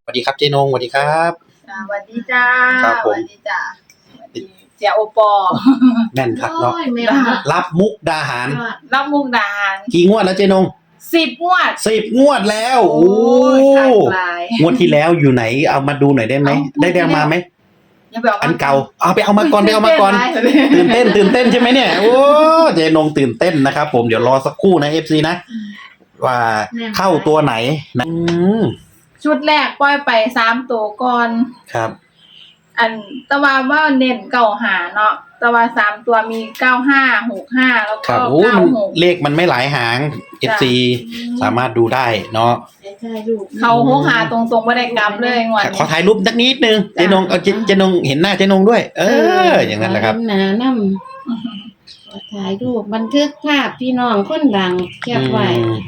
วัสดีครับเจนงสวัสดีครับสวัสดีจ้าครับผมสวัสดีจ้าสวัสดีเจ้าโอปอแม่นครับเนาะโอ้ยแม่รับมุกดาหารรับมุกดาหารกี่งวดแล้วเจนง 10 งวด 10 งวดแล้วโอ้ยขาดหลายงวดที่แล้วอยู่ไหนเอามาดูหน่อยได้ไหมเอาได้มาไหมอย่าไปเอาอันเก่าเอาไปเอามาก่อนไปเอามาก่อนตื่นเต้นใช่ไหมเนี่ยโอ้เจนงตื่นเต้นนะครับผมเดี๋ยวรอสักครู่นะ FC นะว่าเข้าตัวไหนนะชุดแรกปล่อยไป3 ตัวก่อนครับอันตะวันว่าเน้น95เนาะตะวัน3 ตัวมี95 65แล้วคก็รับโอ้มัน 96 เลขมันไม่หลายหาง FC สามารถดูได้เนาะใช่ลูกเขา65ตรงๆบ่ได้กลับเลยงวดขอถ่ายรูปสักนิดนึงเจนงเอาเจนงเห็นหน้าเจนงด้วย อย่างนั้นแหละครับหนาน้ำขอถ่ายรูปบันทึกภาพพี่น้องคนดังแคบไว้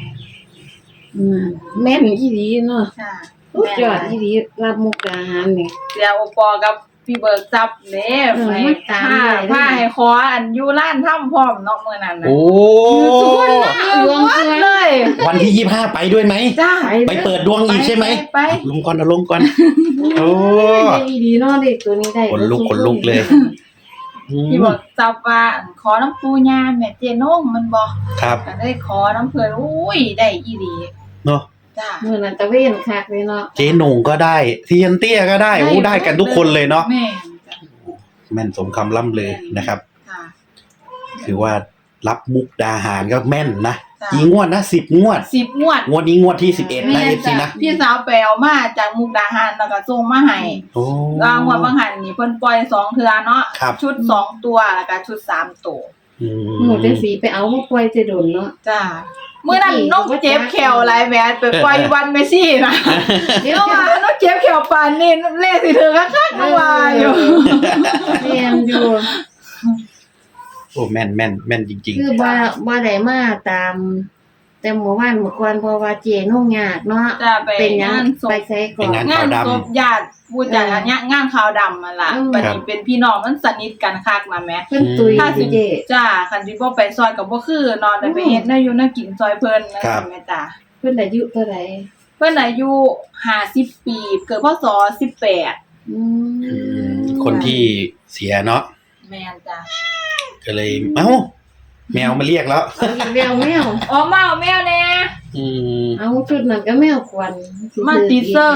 แม่นอีหลีเนาะค่ะสุดยอดอีหลีรับมุกดาหารนี่เดี๋ยวโอปอกับพี่เบิร์กจับเด้มันตามผ้าเลยให้คออันอยู่ร้านถ้ำพร้อมเนาะมื้อนั้นน่ะโอ้ดวงเพื่อนเลยวันที่25ไปด้วยไหมจ้าไปเปิดดวงอีกใช่ไหมไปลงก่อนเอาลงก่อน โอ้ได้อีหลีเนาะเด็กตัวนี้ได้ขนลุกเลยพี่เบิร์กจับว่าอันขอน้ำปูย่าแม่เจนงมันบ่ครับก็ได้ขอน้ำเพิ่นอุ้ยได้อีหลีเนาะจ้าเมื่อนั้นตะเวนคักเลยเนาะเจ๊หนุ่งก็ได้เทียนเตี้ยก็ได้โอ้ได้กันทุกคนเลยเนาะแม่จ้ะแม่นสมคำล่ำเลยนะครับค่ะคือว่ารับมุกดาหารก็แม่นนะจ้ะกี่งวดนะ10 งวด 10 งวดงวดนี้งวดที่11นะแม่ FC จ้ะนะพี่สาวไปเอามาจากมุกดาหารแล้วก็ส่งมาให้โอ้รางวัลบางหันนี่เพิ่นปล่อย2 เทื่อเนาะครับชุด2 ตัวแล้วก็ชุด3 ตัวอืหมูมจังสีไปเอามาปล่อยจะโดนเนาะจ้าเมื่อนั้นน้องเจ็บแขวหลายแหวนไปปล่อยวันเมซี่นะเดี๋ยวน้องว่าน้องเจ็บแขวปานนี่เล่สิเธอคักๆน้องว่าอยู่เรียนอยู่โอ้แม่นจริงคือบ่ได้มาตาม แต่เมื่อวานเมื่อก่อนเพราะว่าเจนุ่งยากเนาะจะไปเป็นหยังงานศไปพใช้ก่อนงานศพญาติพูดจากเนี้ยงานขาวดำมาล่ะอืมบัดนี้เป็นพี่น้องมันสนิทกันคักมาแหมเพิ่นตุยถ้าสิเจจ้าคันสิบ่ไปซอยก็บ่คือนอนได้ไปเฮ็ดได้อยู่นั่งกินซอยเพิ่นนั่นแหละจ้าเพิ่นอายุเท่าไหร่เพิ่นอายุ50 ปีเกิดพศ18 อืมๆ คนที่เสียเนาะแม่นจ้าก็เลยเอ้าแมวมาเรียกแล้วเอาอีกแล้วแมวอ๋อมาเอาแมวแน่อืมเอาชุดนั้นก็แมวควันมาติดเซิง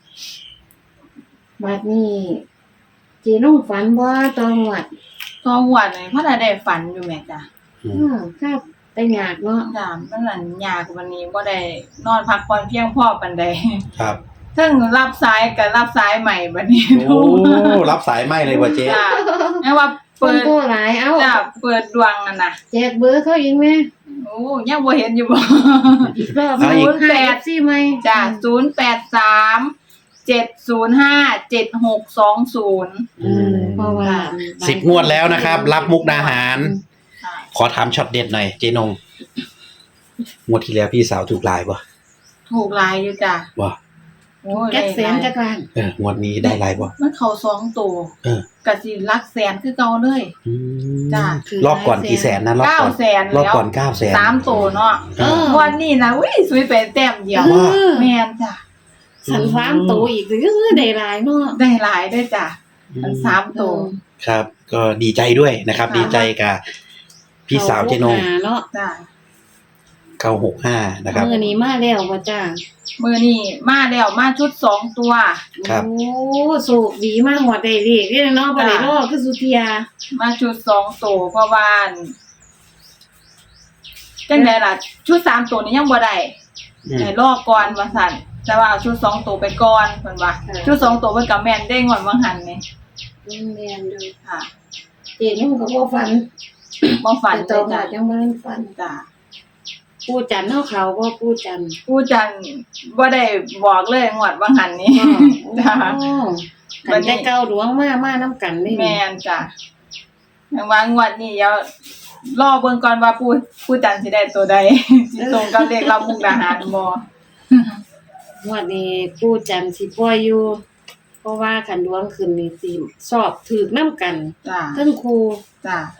บัดนี้เจนุ่งฝันบ่ตอนวัดตอนหัวนี่พ่อได้ฝันอยู่แม่จ้ะครับแต่ยากเนาะจ้ะมันนั่นยากวันนี้บ่ได้นอนพักผ่อนเพียงพอปานใดครับถึงรับสายก็รับสายใหม่บัดนี้โอ้รับสายไม่เลยว่ะเจ๊จ้ะแม้ว่าเพิ่เปินดโตหลายเอาจ้ะเปิดดวงนั่นน่ะแจกเบอร์เขาอีกแม่โอ้ยังบ่เห็นอยู่บ่อีกรอบเอาอีก 8สิไหมจ้ะ083 705 7620 เพราะว่า 10 งวดแล้วนะครับ รับมุกดาหารค่ะขอถามช็อตเด็ดหน่อยเจนงงวดที่แล้วพี่สาวถูกลายปะถูกหลายอยู่จ้ะว่าโอ้ยแจ็คแสนจักรานงวดนี้ได้ลายปะมันเข้า2ตัวเออก็สิหลักแสนคือเก่าเลยอืมจ้ะรอบก่อนกี่แสนนะรอบก่อน 900,000 รอบก่อน900,000 3ตัวเนาะเออวันนี้นะอุ้ยสวยไปแต้มเดียวว่าแม่นจ้ะสันฟามโตอีกหรือได้หลายเนาะได้หลายด้วยจ้ะมัน3ตัวครับ ก็ดีใจด้วยนะครับค่ะดีใจกับพี่สาวเจนงเนาะจ้ะ 965นะครับมื้อนี้มาแล้วบ่จ้ามือนี้มาแล้วมาชุด2ตัวครับโอ้โชคดีมากหัวได้เลขเด้อเนาะบ่ได้รอคือสุเทียมาชุด2ตัวเพราะว่าจังไดล่ะ ชุด3ตัวนี้ยังบ่ได้อืมให้รอก่อนว่าซั่นแต่ว่าเอาชุด2ตัวไปก่อนเพิ่นว่าชุด2ตัวเพิ่นก็แม่นได้งวดบางหันนี่แม่นอยู่ค่ะเจนุ่งก็บ่ฝันบ่ฝันแต่เลต่อย มาจ้ะจังบ่ทันฝันจ้ะปู่จันทร์เฮาเขาบ่ปู่จันทร์ผู้จันบ่ได้บอกเลยงวดบางหันนี้ จ้ะมันได้เก้าหลวงมานํกันนี่แม่นจ้ะอย่างว่างวดนี้เดี๋ยวรอเบิ่งก่อนว่าผู้จันสิได้ตัวใด สิตรงกับเลขรับมุกดาหารบ่งวดนี้ปู่จันทร์สิปล่อยอยู่ เพราะว่าคันดวงขึ้นนี่สิสอบถูกนํกันจ้ะเทั้งครูจ้ะ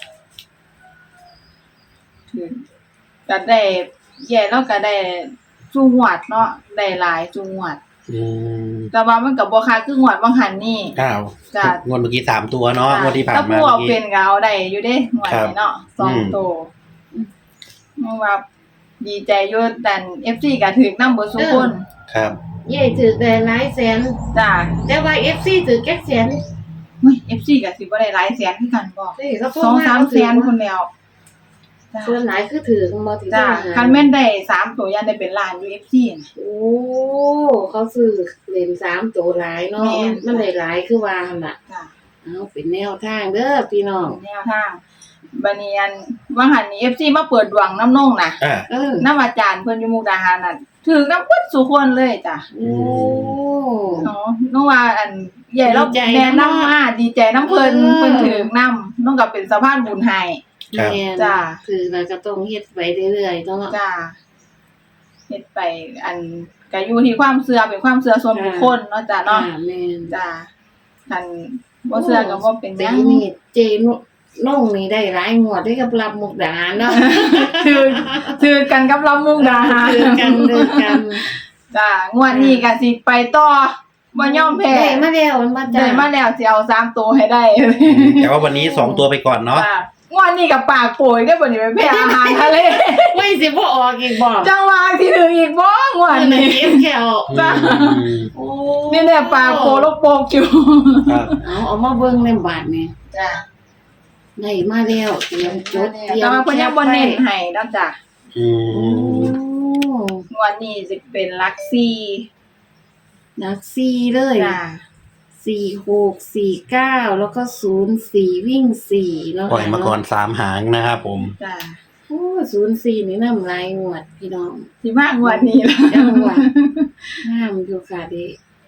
ถึงก็ได้แย่แล้วก็ได้จุงหวัดเนาะได้หลายจุงหวัดอืมแต่ว่ามันก็บ่คักคืองวดบางหันนี่อ้าวจ้ะงวดเมื่อกี้3ตัวเนาะงวดที่ผ่านถ้ามาผู้เมื่เอาอเป็กี้นก็เอาได้อยู่เด้งวดนี้เนาะอืม 2ตัวเพราะว่าดีใจอยู่แต่ FC ก็ถึกนำเบิดทุกคนครับใหญ่ถือได้หลายแสนจ้าแต่ว่า FC ถือแค่แสนเฮ้ย FC ก็สิบ่ได้หลายแสนคือกันบ่นี่เขาพูด 2-3 แสนคนแล้วจ้าส่วนหลายคือถือมาถือจ้าคันแม่นได้3ตัวยันได้เป็นล้านอยู่ FC น่ะโอ้เขาซื้อเล่น3ตัวหลายเนาะแม่นมันได้หลายคือว่าหั่นน่ะจ้าเอาเป็นแนวทางเด้อพี่น้องแนวทางบัดนี้อันว่าหันนี้ FC มาเปิดดวงน้ำนงน่ะอ่าเออน้ำอาจารย์เพิ่นอยู่มุกดาหารน่ะถือน้ำเพิ่นสุคนเลยจ้ะโอ้เนาะน้องว่าอันใหญ่เราดีใจแนะนำนำมาดีใจน้ำเพิ่นเออเพิ่นถือน้ำน้องก็เป็นสะพานบุญให้ครับแม่นจ้าคือเราก็ต้องเฮ็ดไปเรื่อยๆเนาะจ้าเฮ็ดไปอันก็อยู่ที่ความเชื่อเป็นความเชื่อส่วนบุคคลเนาะจ้ะเนาะแม่นจ้าคันบ่เชื่อก็บ่เป็นหปียังนี้เจน้องนี่ได้หลายงวดได้กับรับมุกดาหารเนาะถือกันกับลำมุกดาหารคือกันเด้อกันจ้างวดนี้ก็สิไปต่อบ่ยอมแพ้ได้มาแล้วมันมาจ้าได้มาแล้วสิเอา3ตัวให้ได้แต่ว่าวันนี้2ตัวไปก่อนเนาะจ้างวดนี้กับปากโป่ยได้บ่นี่ไปแพ้อาหารทะเลไม่สิบ่ออกอีกบ่จังหวะที่ถึงอีกบ่งวดมันนี้เก็บแค่เอาจ้าอืมโอ้นี่แหละปากโปลกโปกอยู่ครับเอามาเบิ่งในบาทนี่จ้าได้มาแล้วเตรียมจดเตรียแต่มว่าเพิ่นยังบ่เน้นให้ดอกจ้ะอืโอ้มงวดนี้สิเป็นหลัก4 นัก4เลยจ้า 46 49แล้วก็04วิ่ง4เนาะปล่อยมาก่อน3หางนะครับผมจ้าโอ้04นี่นำลายงวดพี่น้องสิมางวดนี้ล่ะจังหวะห้ามอยู่ค่ะเด้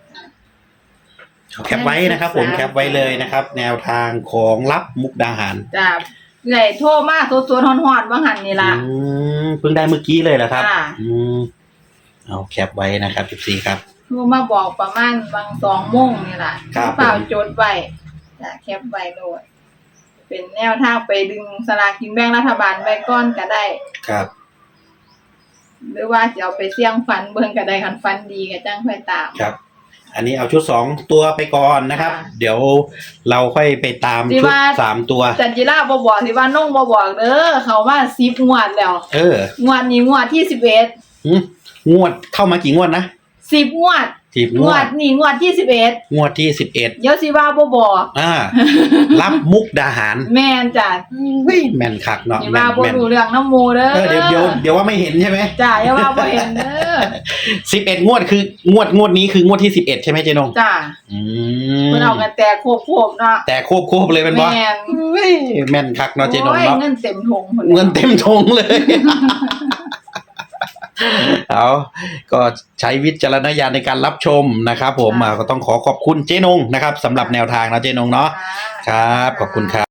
แคปไว้นะครับผมแคปไว้เลยนะครับ แนวทางของรับมุกดาหารจ้าเลยโทรมาสดๆฮ้อนๆว่าหั่นนี่ล่ะเพิ่งได้เมื่อกี้เลยเหรอครับจ้าเอาแคปไว้นะครับ14ครับโทรมาบอกประมาณบาง2:00 นนี่ล่ะครับเปล่าจดไว้จ้าแคปไว้โลดเป็นแนวทางไปดึงสลากกินแบ่งรัฐบาลไว้ก่อนก็ได้ครับหรือว่าจะเอาไปเสี่ยงฝันเบิ่งก็ได้คันฝันดีก็จังค่อยตามครับ อันนี้เอาชุด2ตัวไปก่อนนะครับค่ะเดี๋ยวเราค่อยไปตามที่ชุดว่า 3ตัวจันจิราบ่บอกสิว่าน้องบ่บอกเด้อเขาว่า10งวดแล้วเอองวดนี้งวดที่11 งวดเข้ามากี่งวดนะ 10งวด 10 งวดนี้งวดที่11 งวดที่11 เดี๋ยวสิว่าบ่บอกรับมุกดาหารแม่นจ้ะเฮ้ยแม่นคักเนาะสิแม่ว่าน บ่แม่นรู้เรื่องน้ำหมู่เด้อเดี๋ยวว่าไม่เห็นใช่ไหมจ้ะอย่าว่าบ่เห็นเด้อ 11งวดคืองวดนี้คืองวดที่11ใช่ไหมเจนงจ้ะอืเพิ่นเอากันแตกโคบๆเนาะแต่โคบเลยเป็นบ่แม่นเฮ้ยแม่นคักเนาะเจนงโอ้ยเนาะเงินเต็มถุงพุ่นเงินเต็มทงเลย เอาก็ใช้วิจารณญาณในการรับชมนะครับผมก็ต้องขอบคุณเจนงนะครับสำหรับแนวทางนะเจนงเนาะค่ะครับขอบคุณครับ